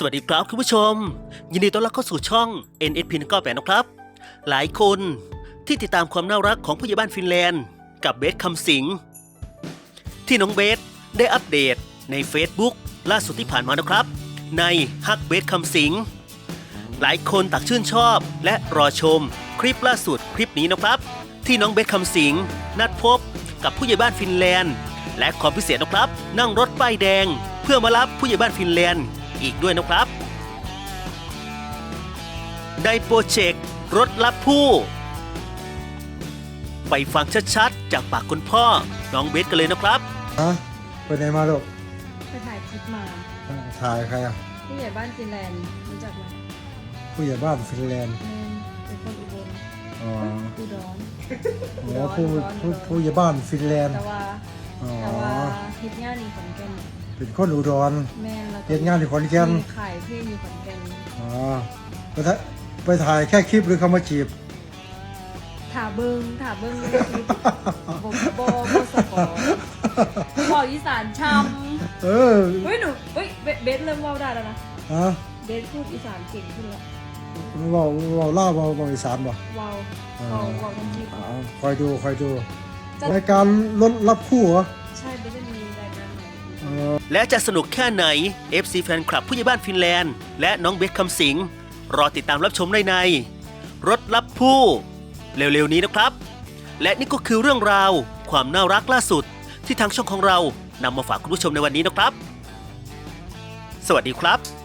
วัสดีครับคุณผู้ชมยินดีต้อนรับเข้าสู่ช่อง NSP 198นะครับหลายคนที่ติดตามความน่ารักของผู้ใหญ่บ้านฟินแลนด์กับเบสคำสิงที่น้องเบสได้อัปเดตใน Facebook ล่าสุดที่ผ่านมานะครับในฮักเบสคำสิงหลายคนต่างชื่นชอบและรอชมคลิปล่าสุดคลิปนี้นะครับที่น้องเบสคำสิงนัดพบกับผู้ใหญ่บ้านฟินแลนด์และความพิเศษนะครับนั่งรถป้ายแดงเพื่อมารับผู้ใหญ่บ้านฟินแลนด์อีกด้วยนะครับได้โปรเจกต์รถรับผู้ไปฟังชัดๆจากปากคุณพ่อน้องเบสกันเลยนะครับไปไหนมาลูกไปถ่ายคลิปมาถ่ายใครอ่ะผู้ใหญ่บ้านฟินแลนด์รู้จักไหมผู้ใหญ่บ้านฟินแลนด์เป็นคนอุบลอุดรผู้ใหญ่บ้านฟินแลนด์แต่ว่าเฮ็ดงานอยู่ขอนแก่นเป็นคนอุดรแม่แล้วเฮ็ดงานอยู่ขอนแก่นขายเพลงอยู่ขอนแก่นไปถ่ายแค่คลิปหรือเขามาจีบถ่าเบิ้งในคลิปบ่สปอบอกอีสานช้ำเฮ้ยหนูเบสเริ่มเว้าได้แล้วนะเบสพูดอีสานเก่งขึ้นแล้วเว้าล่าเว้าอีสานบ่เว้าทั้งคลิปคอยดูรายการรถรับคู่เหรอใช่เบสจะมีรายการและจะสนุกแค่ไหน FC แฟนคลับผู้ใหญ่บ้านฟินแลนด์และน้องเบสคำสิงรอติดตามรับชมได้ในรถรับผู้เร็วๆนี้นะครับและนี่ก็คือเรื่องราวความน่ารักล่าสุดที่ทางช่องของเรานำมาฝากคุณผู้ชมในวันนี้นะครับสวัสดีครับ